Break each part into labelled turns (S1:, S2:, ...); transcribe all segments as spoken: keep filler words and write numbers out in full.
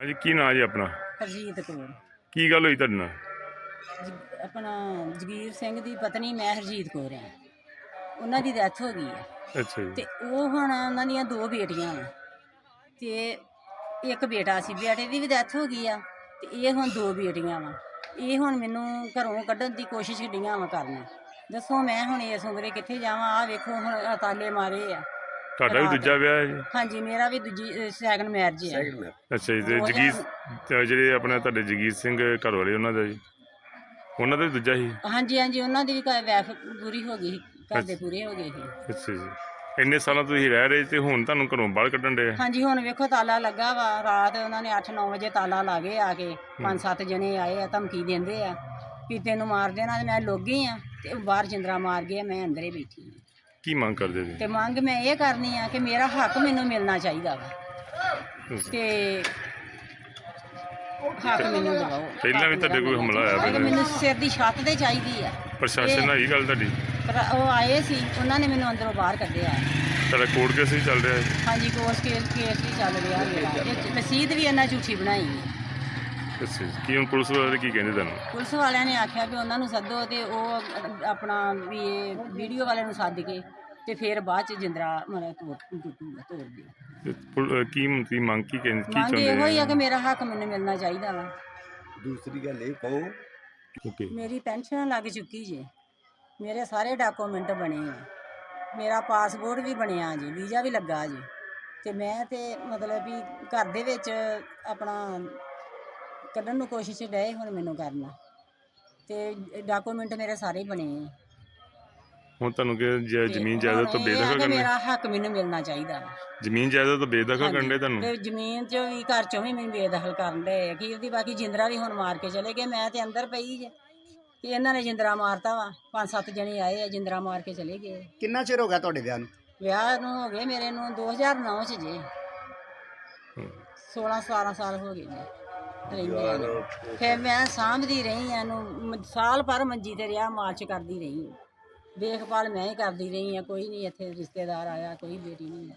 S1: ਜੀ ਕੀ ਨਾਂ ਜੀ ਆਪਣਾ?
S2: ਹਰਜੀਤ ਕੌਰ।
S1: ਕੀ ਗੱਲ ਹੋਈ ਤੁਹਾਡੇ ਨਾਲ?
S2: ਜ- ਆਪਣਾ ਜਗੀਰ ਸਿੰਘ ਦੀ ਪਤਨੀ ਮੈਂ ਹਰਜੀਤ ਕੌਰ ਹਾਂ। ਉਹਨਾਂ ਦੀ ਡੈਥ ਹੋ ਗਈ ਹੈ
S1: ਅੱਛਾ ਜੀ।
S2: ਤੇ ਉਹ ਹੁਣ ਉਹਨਾਂ ਦੀਆਂ ਦੋ ਬੇਟੀਆਂ ਵਾ ਤੇ ਇੱਕ ਬੇਟਾ ਸੀ। ਬੇਟੇ ਦੀ ਵੀ ਡੈਥ ਹੋ ਗਈ ਆ ਤੇ ਇਹ ਹੁਣ ਦੋ ਬੇਟੀਆਂ ਵਾ। ਇਹ ਹੁਣ ਮੈਨੂੰ ਘਰੋਂ ਕੱਢਣ ਦੀ ਕੋਸ਼ਿਸ਼ ਡੀਆਂ ਵਾ ਕਰਨ। ਦੱਸੋ ਮੈਂ ਹੁਣ ਇਸ ਉਮਰੇ ਕਿੱਥੇ ਜਾਵਾਂ? ਆਹ ਵੇਖੋ ਹੁਣ ਤਾਲੇ ਮਾਰੇ ਆ।
S1: ਤੁਹਾਡਾ ਵੀ
S2: ਰਾਤ।
S1: ਦੂਜਾ ਵਿਆਹ ਹੈ ਜੀ?
S2: ਹਾਂਜੀ, ਮੇਰਾ ਵੀ ਦੂਜੀ ਸੈਕੰਡ ਮੈਰਿਜ ਹੈ।
S1: ਅੱਛਾ ਜੀ। ਤੇ
S2: ਦੋ
S1: ਜਗੀਰ
S2: ਹਜ਼ਾਰ
S1: ਤੇ ਜਿਹੜੇ ਆਪਣੇ ਤੁਹਾਡੇ ਜਗੀਰ ਸਿੰਘ ਘਰ ਵਾਲੇ ਉਹਨਾਂ ਦਾ ਜੀ, ਉਹਨਾਂ ਦਾ ਵੀ ਦੂਜਾ ਸੀ?
S2: ਹਾਂਜੀ ਹਾਂਜੀ, ਉਹਨਾਂ ਦੀ ਵੀ ਵੈਫ ਪੂਰੀ ਹੋ ਗਈ ਸੀ, ਘਰ ਦੇ
S1: ਅੱਛਾ
S2: ਪੂਰੇ ਹੋ ਗਏ ਸੀ।
S1: ਅੱਛਾ ਜੀ। ਇੰਨੇ ਸਾਲਾਂ ਤੁਸੀਂ ਰਹਿ ਰਹੇ ਤੇ ਹੁਣ ਤੁਹਾਨੂੰ ਘਰੋਂ ਬਾਹਰ ਕੱਢਣ ਦੇ?
S2: ਹਾਂਜੀ, ਹੁਣ ਵੇਖੋ ਤਾਲਾ ਲੱਗਾ ਵਾ। ਰਾਤ ਉਹਨਾਂ ਨੇ ਅੱਠ ਨੌ ਵਜੇ ਤਾਲਾ ਲਾ ਕੇ ਆ ਕੇ ਪੰਜ ਸੱਤ ਜਣੇ ਆਏ ਆ, ਧਮਕੀ ਦਿੰਦੇ ਆ ਵੀ ਤੈਨੂੰ ਮਾਰ ਦੇਣਾ। ਤੇ ਮੈਂ ਲੁੱਕ ਗਈ ਆ ਤੇ ਉਹ ਬਾਹਰ ਜਿੰਦਰਾ ਮਾਰ ਗਏ, ਮੈਂ ਅੰਦਰੇ ਬੈਠੀ ਹਾਂ।
S1: ਕੀ ਮੰਗ ਕਰਦੇ ਜੀ?
S2: ਤੇ ਮੰਗ ਮੈਂ ਇਹ ਕਰਨੀ ਆ ਕਿ ਮੇਰਾ ਹੱਕ ਮੈਨੂੰ ਮਿਲਣਾ ਚਾਹੀਦਾ ਵਾ ਤੇ ਹੱਕ ਮੈਨੂੰ ਦਿਵਾਓ।
S1: ਪਹਿਲਾਂ ਵੀ ਤੁਹਾਡੇ ਕੋਈ ਹਮਲਾ ਹੋਇਆ
S2: ਕਿ
S1: ਪਹਿਲਾਂ?
S2: ਮੈਨੂੰ ਸਿਰ ਦੀ ਛੱਤ ਤੇ ਚਾਹੀਦੀ ਆ।
S1: ਪ੍ਰਸ਼ਾਸਨ ਨਾਲ ਇਹ ਗੱਲ ਤੁਹਾਡੀ?
S2: ਪਰ ਉਹ ਆਏ ਸੀ, ਉਹਨਾਂ ਨੇ ਮੈਨੂੰ ਅੰਦਰੋਂ ਬਾਹਰ ਕੱਢਿਆ।
S1: ਤੁਹਾਡਾ ਕੋਰਟ ਕੇਸ ਵੀ ਚੱਲ ਰਿਹਾ ਹੈ?
S2: ਹਾਂਜੀ, ਕੋਰਟ ਕੇਸ ਕੇਸ ਵੀ ਚੱਲ ਰਿਹਾ ਮੇਰਾ। ਇਹ ਰਸੀਦ ਵੀ ਇਹਨਾਂ ਝੂਠੀ ਬਣਾਈ ਹੈ।
S1: ਅੱਛਾ ਜੀ। ਕੀ ਹੁਣ ਪੁਲਿਸ ਵਾਲੇ ਕੀ ਕਹਿੰਦੇ ਤੁਹਾਨੂੰ?
S2: ਪੁਲਿਸ ਵਾਲਿਆਂ ਨੇ ਆਖਿਆ ਵੀ ਉਹਨਾਂ ਨੂੰ ਸੱਦੋ ਤੇ ਉਹ ਆਪਣਾ ਵੀ ਇਹ ਵੀਡੀਓ ਵਾਲਿਆਂ ਨੂੰ ਸੱਦ ਕੇ ਤੇ ਫਿਰ ਬਾਅਦ ਚ ਜਿੰਦਰਾ ਮਤਲਬ ਤੋੜ ਟੁੱਟੂਗਾ ਤੋੜ ਦਿਓ।
S1: ਤੇ ਪੁਲ- ਕੀ ਕੀ ਮੰਗ ਕੀ ਕਹਿੰਦੇ ਕੀ
S2: ਮੰਗ
S1: ਚਾਹੁੰਦੇ
S2: ਇਹੋ ਹੀ ਆ ਕਿ
S1: ਆ?
S2: ਮੇਰਾ ਹੱਕ ਮੈਨੂੰ ਮਿਲਣਾ ਚਾਹੀਦਾ ਵਾ।
S3: ਦੂਸਰੀ ਗੱਲ ਇਹ ਕਹੋ,
S1: ਓਕੇ।
S2: ਮੇਰੀ ਪੈਨਸ਼ਨ ਲੱਗ ਚੁੱਕੀ ਜੇ, ਮੇਰੇ ਸਾਰੇ ਡਾਕੂਮੈਂਟ ਬਣੇ ਆ, ਮੇਰਾ ਪਾਸਪੋਰਟ ਵੀ ਬਣਿਆ ਜੀ, ਵੀਜ਼ਾ ਵੀ ਲੱਗਾ ਜੀ। ਤੇ ਮੈਂ ਤੇ ਮਤਲਬ ਵੀ ਘਰ ਦੇ ਵਿੱਚ ਆਪਣਾ ਕੱਢਣ ਨੂੰ ਕੋਸ਼ਿਸ਼ ਡਏ ਹੁਣ ਮੈਨੂੰ ਕਰਨਾ, ਤੇ ਡਾਕੂਮੈਂਟ ਮੇਰੇ ਸਾਰੇ ਬਣੇ ਆ।
S1: ਹੁਣ ਤੁਹਾਨੂੰ ਕਿ ਜ-
S2: ਤੇ
S1: ਜ਼ਮੀਨ
S2: ਹੁਣ
S1: ਜਾਇਦਾਦ ਤੋਂ
S2: ਇਹ ਆ
S1: ਬੇਦਖਲ
S2: ਕਿ
S1: ਕਰਨੇ?
S2: ਮੇਰਾ ਹੱਕ ਮੈਨੂੰ ਮਿਲਣਾ ਚਾਹੀਦਾ ਵਾ।
S1: ਜ਼ਮੀਨ ਜਾਇਦਾਦ ਤੋਂ ਬੇਦਖਲ
S2: ਹਾਂਜੀ,
S1: ਕਰਨੇ ਤੁਹਾਨੂੰ?
S2: ਤੇ ਜ਼ਮੀਨ 'ਚ ਵੀ ਘਰ 'ਚੋਂ ਵੀ ਮੈਨੂੰ ਬੇਦਖਲ ਕਰਨ ਡਏ ਆ ਕਿ ਉਹਦੀ ਬਾਕੀ ਜਿੰਦਰਾ ਵੀ ਹੁਣ ਮਾਰ ਕੇ ਚਲੇ ਗਏ। ਮੈਂ ਤੇ ਅੰਦਰ ਪਈ ਜੇ ਤੇ ਇਹਨਾਂ ਨੇ ਜਿੰਦਰਾ ਮਾਰਤਾ ਵਾ। ਪੰਜ ਸੱਤ ਜਣੇ ਆਏ ਆ, ਜਿੰਦਰਾ ਮਾਰ ਕੇ ਚਲੇ ਗਏ।
S3: ਕਿੰਨਾ ਚਿਰ ਹੋ ਗਿਆ ਤੁਹਾਡੇ ਵਿਆਹ ਨੂੰ?
S2: ਵਿਆਹ ਨੂੰ ਹੋ ਗਏ ਮੇਰੇ ਨੂੰ ਦੋ ਹਜ਼ਾਰ ਨੌ 'ਚ ਜੇ
S1: ਹੂੰ।
S2: ਸੋਲਾਂ ਸਤਾਰਾਂ ਸਾਲ ਹੋ ਗਏ ਜੀ ਰਹਿੰਦਿਆਂ ਨੂੰ। ਫਿਰ ਮੈਂ ਸਾਂਭਦੀ ਰਹੀ ਆ ਇਹਨੂੰ, ਮ- ਸਾਲ ਭਰ ਮੰਜੀ ਤੇ ਰਿਹਾ, ਮਾਲਸ਼ ਕਰਦੀ ਰਹੀ, ਦੇਖਭਾਲ ਮੈਂ ਹੀ ਕਰਦੀ ਰਹੀ ਆ। ਕੋਈ ਨਹੀਂ ਇੱਥੇ ਰਿਸ਼ਤੇਦਾਰ ਆਇਆ, ਕੋਈ ਬੇਟੀ ਨਹੀਂ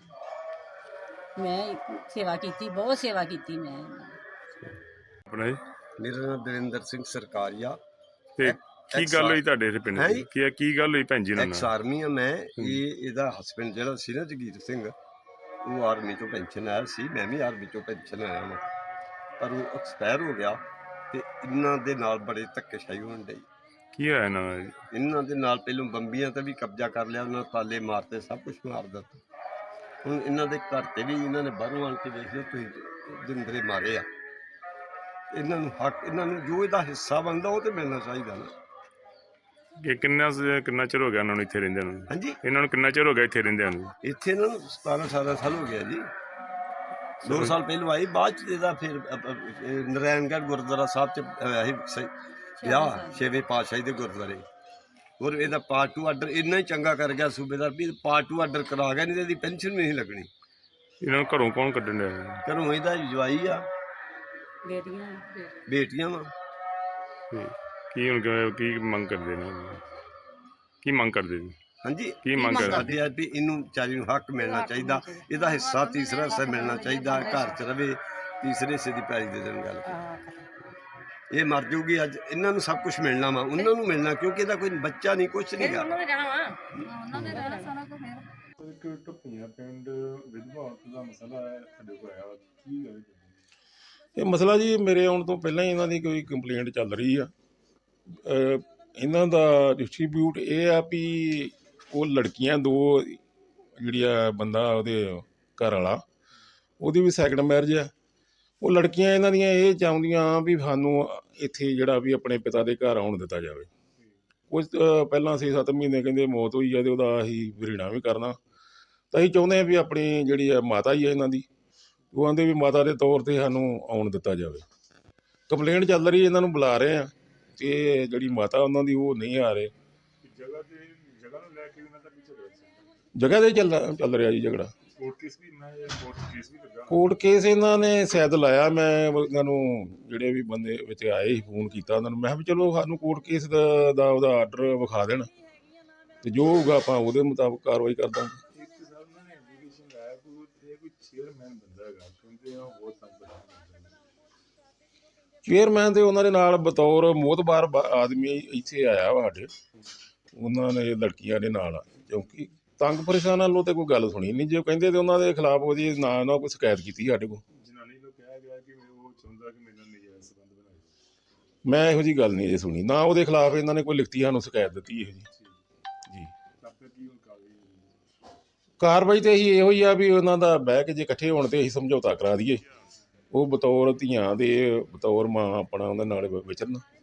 S2: ਆਈ। ਮੈਂ ਹੀ ਸੇਵਾ ਕੀਤੀ, ਬਹੁਤ ਸੇਵਾ ਕੀਤੀ ਮੈਂ ਇਹਨਾਂ ਦੀ।
S1: ਆਪਣਾ ਜੀ?
S3: ਮੇਰਾ ਨਾਮ ਦਰਿੰਦਰ ਸਿੰਘ ਸਰਕਾਰੀਆ।
S1: ਤੇ ਕੀ ਗੱਲ ਹੋਈ ਤੁਹਾਡੇ ਇੱਥੇ ਪਿੰਡ
S3: ਹੈਂ
S1: ਦੀ?
S3: ਜੀ?
S1: ਕੀ ਕੀ ਗੱਲ ਹੋਈ ਭੈਣ ਜੀ ਨਾਲ?
S3: ਐਕਸ ਆਰਮੀ ਆ ਮੈਂ। ਇਹ ਇਹਦਾ ਹਸਬੈਂਡ ਜਿਹੜਾ ਸੀ ਨਾ ਜਗੀਰ ਸਿੰਘ, ਉਹ ਆਰਮੀ ਤੋਂ ਪੈਨਸ਼ਨ ਆਇਆ ਸੀ। ਮੈਂ ਵੀ ਆਰਮੀ ਤੋਂ ਪੈਨਸ਼ਨ ਆਇਆ ਹਾਂ, ਪਰ ਉਹ ਐਕਸਪਾਇਰ ਹੋ ਗਿਆ। ਤੇ ਇਹਨਾਂ ਦੇ ਨਾਲ ਬੜੇ ਧੱਕੇਸ਼ਾਹੀ ਹੋਣ ਡਈ।
S1: ਕੀ ਹੋਇਆ ਇਹਨਾਂ ਨਾਲ ਜੀ?
S3: ਇਹਨਾਂ ਦੇ ਨਾਲ ਪਹਿਲੋਂ ਬੰਬੀਆਂ ਤੇ ਵੀ ਕਬਜ਼ਾ ਕਰ ਲਿਆ, ਉਹਨਾਂ ਤਾਲੇ ਮਾਰਤੇ, ਸਭ ਕੁਝ ਮਾਰ ਦਿੱਤਾ। ਹੁਣ ਇਹਨਾਂ ਦੇ ਘਰ ਤੇ ਵੀ ਇਹਨਾਂ ਨੇ ਬਾਹਰੋਂ ਆਣ ਕੇ ਦੇਖ ਲਿਓ ਤੁਸੀਂ ਜਿੰਦਰੇ ਮਾਰੇ ਆ। ਇਹਨਾਂ ਨੂੰ ਹੱਕ, ਇਹਨਾਂ ਨੂੰ ਜੋ ਇਹਦਾ ਹਿੱਸਾ ਬਣਦਾ ਉਹ ਤੇ ਮਿਲਣਾ ਚਾਹੀਦਾ ਨਾ।
S1: ਕਿ ਕਿੰਨਾ ਸ- ਕਿੰਨਾ ਚਿਰ ਹੋ ਗਿਆ ਇਹਨਾਂ ਨੂੰ ਇੱਥੇ ਰਹਿੰਦਿਆਂ ਨੂੰ?
S3: ਹਾਂਜੀ,
S1: ਇਹਨਾਂ ਨੂੰ ਕਿੰਨਾ ਚਿਰ ਹੋ ਗਿਆ ਇੱਥੇ ਰਹਿੰਦਿਆਂ ਨੂੰ?
S3: ਇੱਥੇ ਇਹਨਾਂ ਨੂੰ ਸਤਾਰਾਂ ਅਠਾਰਾਂ ਸਾਲ ਹੋ ਗਿਆ ਜੀ। ਦੋ ਸਾਲ ਪਹਿਲਾਂ ਆਈ, ਬਾਅਦ ਚ ਇਹਦਾ ਫਿਰ ਅ- ਅ- ਇਹ ਨਾਰਾਇਣਗੜ੍ਹ ਗੁਰਦੁਆਰਾ ਸਾਹਿਬ ਚ ਹੋਇਆ ਸੀ ਸ- ਵਿਆਹ, ਛੇਵੇਂ ਪਾਤਸ਼ਾਹੀ ਦੇ ਗੁਰਦੁਆਰੇ। ਔਰ ਇਹਦਾ ਪਾਰਟ ਟੂ ਆਰਡਰ ਇੰਨਾ ਹੀ ਚੰਗਾ ਕਰ ਗਿਆ ਸੂਬੇਦਾਰ ਵੀ ਪਾਰਟ ਟੂ ਆਰਡਰ ਕਰਾ ਗਿਆ, ਨਹੀਂ ਤੇ ਇਹਦੀ ਪੈਨਸ਼ਨ ਵੀ ਨਹੀਂ ਲੱਗਣੀ।
S1: ਇਹਨਾਂ ਨੂੰ ਘਰੋਂ ਕੌਣ ਕੱਢਣ ਡਿਆ?
S3: ਘਰੋਂ ਇਹਦਾ ਜਵਾਈ ਆ,
S2: ਬੇਟੀਆਂ
S3: ਬੇਟੀਆਂ ਵਾ।
S1: ਤੇ ਕੀ ਹੁਣ ਕਿ- ਕੀ ਮੰਗ ਕਰਦੇ ਨੇ? ਕੀ ਮੰਗ ਕਰਦੇ ਜੀ?
S3: ਹਾਂਜੀ,
S1: ਕੀ ਮੰਗ ਕਰਦੇ?
S3: ਸਾਡੇ ਆ ਵੀ ਇਹਨੂੰ ਵਿਚਾਰੀ ਨੂੰ ਹੱਕ ਮਿਲਣਾ ਚਾਹੀਦਾ, ਇਹਦਾ ਹਿੱਸਾ ਤੀਸਰਾ ਹਿੱਸਾ ਮਿਲਣਾ ਚਾਹੀਦਾ। ਘਰ 'ਚ ਰਵੇ, ਤੀਸਰੇ ਹਿੱਸੇ ਦੀ ਪੈਲੀ ਦੇ ਦੇਣ ਗੱਲ ਕੀਤੀ। ਇਹ ਮਰ ਜੂਗੀ ਅੱਜ, ਇਹਨਾਂ ਨੂੰ ਸਭ ਕੁਝ ਮਿਲਣਾ ਵਾ, ਉਹਨਾਂ ਨੂੰ ਮਿਲਣਾ, ਕਿਉਂਕਿ ਇਹਦਾ ਕੋਈ ਬੱਚਾ ਨਹੀਂ, ਕੁਛ ਨਹੀਂ ਗਾ।
S4: ਇੱਕ ਢੁੱਪੀਆਂ ਪਿੰਡ ਵਿਧਵਾ ਔਰਤ ਦਾ ਮਸਲਾ ਹੈ ਸਾਡੇ ਕੋਲ ਆਇਆ, ਕੀ ਗੱਲ?
S5: ਇਹ ਮਸਲਾ ਜੀ ਮੇਰੇ ਆਉਣ ਤੋਂ ਪਹਿਲਾਂ ਹੀ ਇਹਨਾਂ ਦੀ ਕੋਈ ਕੰਪਲੇਂਟ ਚੱਲ ਰਹੀ ਆ। ਅਹ ਇਹਨਾਂ ਦਾ ਡਿਸਟ੍ਰੀਬਿਊਟ ਇਹ ਆ ਵੀ ਉਹ ਲੜਕੀਆਂ ਦੋ, ਜਿਹੜੀਆਂ ਬੰਦਾ ਉਹਦੇ ਘਰ ਵਾਲਾ, ਉਹਦੀ ਵੀ ਸੈਕੰਡ ਮੈਰਿਜ ਆ। ਉਹ ਲੜਕੀਆਂ ਇਹਨਾਂ ਦੀਆਂ ਇਹ ਚਾਹੁੰਦੀਆਂ ਵੀ ਸਾਨੂੰ ਇੱਥੇ ਜਿਹੜਾ ਵੀ ਆਪਣੇ ਪਿਤਾ ਦੇ ਘਰ ਆਉਣ ਦਿੱਤਾ ਜਾਵੇ। ਕੁਝ ਪਹਿਲਾਂ ਛੇ ਸੱਤ ਮਹੀਨੇ ਕਹਿੰਦੇ ਮੌਤ ਹੋਈ ਆ, ਅਤੇ ਉਹਦਾ ਅਸੀਂ ਵਰੀਣਾ ਵੀ ਕਰਨਾ। ਤਾਂ ਅਸੀਂ ਚਾਹੁੰਦੇ ਹਾਂ ਵੀ ਆਪਣੀ ਜਿਹੜੀ ਆ ਮਾਤਾ ਹੀ ਆ ਇਹਨਾਂ ਦੀ, ਉਹ ਆਂਦੇ ਵੀ ਮਾਤਾ ਦੇ ਤੌਰ 'ਤੇ ਸਾਨੂੰ ਆਉਣ ਦਿੱਤਾ ਜਾਵੇ। ਕੰਪਲੇਂਟ ਚੱਲ ਰਹੀ, ਇਹਨਾਂ ਨੂੰ ਬੁਲਾ ਰਹੇ ਆ, ਅਤੇ ਜਿਹੜੀ ਮਾਤਾ ਉਹਨਾਂ ਦੀ ਉਹ ਨਹੀਂ ਆ ਰਹੇ।
S4: ਜਗ੍ਹਾ ਤੇ ਜਗ੍ਹਾ ਨੂੰ ਲੈ ਕੇ ਉਹਨਾਂ ਦਾ ਪਿੱਛੇ ਰਿਹਾ
S5: ਜਗ੍ਹਾ 'ਤੇ ਚੱਲ ਚੱਲ ਰਿਹਾ ਜੀ ਝਗੜਾ।
S4: ਕੋਰਟ ਕੇਸ ਵੀ ਮੈਂ ਕੋਰਟ ਕੇਸ ਵੀ ਲੱਗਾ।
S5: ਕੋਰਟ ਕੇਸ ਇਹਨਾਂ ਨੇ ਸ਼ਾਇਦ ਲਾਇਆ। ਮੈਂ ਇਹਨਾਂ ਨੂੰ ਜਿਹੜੇ ਵੀ ਬੰਦੇ ਵਿੱਚ ਆਏ ਸੀ ਫੋਨ ਕੀਤਾ ਉਹਨਾਂ ਨੂੰ, ਮੈਂ ਕਿਹਾ ਵੀ ਚਲੋ ਸਾਨੂੰ ਕੋਰਟ ਕੇਸ ਦਾ ਦਾ ਉਹਦਾ ਆਰਡਰ ਵਿਖਾ ਦੇਣ, ਅਤੇ ਜੋ ਹੋਊਗਾ ਆਪਾਂ ਉਹਦੇ ਮੁਤਾਬਕ ਕਾਰਵਾਈ ਕਰ ਦਾਂਗੇ।
S4: ਇੱਕ ਸਰ ਉਹਨਾਂ ਨੇ ਐਪਲੀਕੇਸ਼ਨ ਲਾਇਆ ਕਿ ਇਹ ਕੋਈ ਚੇਅਰਮੈਨ ਬੰਦਾ ਹੈਗਾ, ਕਹਿੰਦੇ ਉਹ ਬਹੁਤ ਤੰਗ ਕਰਦਾ।
S5: ਚੇਅਰਮੈਨ ਤੇ ਉਹਨਾਂ ਦੇ ਨਾਲ ਬਤੌਰ ਮੋਹਤਬਾਰ ਬ- ਆਦਮੀ ਇੱਥੇ ਆਇਆ ਵਾ ਸਾਡੇ, ਉਹਨਾਂ ਨੇ ਲੜਕੀਆਂ ਦੇ ਨਾਲ ਆ, ਕਿਉਂਕਿ ਤੰਗ ਪਰੇਸ਼ਾਨਾਂ ਨੂੰ ਤੇ ਕੋਈ ਗੱਲ ਸੁਣੀ ਨਹੀਂ। ਜੇ ਉਹ ਕਹਿੰਦੇ ਤੇ ਉਹਨਾਂ ਦੇ ਖਿਲਾਫ ਉਹਦੀ ਨਾ ਨਾ ਕੋਈ ਸ਼ਿਕਾਇਤ ਕੀਤੀ ਸਾਡੇ ਕੋਲ।
S4: ਜਨਾਨੀ ਨੂੰ ਕਿਹਾ ਗਿਆ ਕਿ ਉਹ ਚਾਹੁੰਦਾ ਕਿ ਮੇਰੇ ਨਾਲ ਨਜਾਇਜ਼ ਸੰਬੰਧ ਬਣਾਏ।
S5: ਮੈਂ ਇਹੋ ਜੀ ਗੱਲ ਨਹੀਂ ਜੇ ਸੁਣੀ, ਨਾ ਉਹਦੇ ਖਿਲਾਫ ਇਹਨਾਂ ਨੇ ਕੋਈ ਲਿਖਤੀ ਸਾਨੂੰ ਸ਼ਿਕਾਇਤ ਦਿੱਤੀ ਇਹੋ ਜੀ। ਜੀ
S4: ਤਾਂ ਫਿਰ ਕੀ ਹੁਣ ਕਾਰਵਾਈ ਹੋਈ?
S5: ਕਾਰਵਾਈ ਤੇ ਅਸੀਂ ਇਹੋ ਹੀ ਆ ਵੀ ਉਹਨਾਂ ਦਾ ਬਹਿ ਕੇ ਜੇ ਇਕੱਠੇ ਹੋਣ ਤੇ ਅਸੀਂ ਸਮਝੌਤਾ ਕਰਾ ਦਈਏ, ਉਹ ਬਤੌਰ ਧੀਆਂ ਦੇ ਬਤੌਰ ਮਾਂ ਆਪਣਾ ਉਹਨਾਂ ਨਾਲ ਵਿਚਰਨ।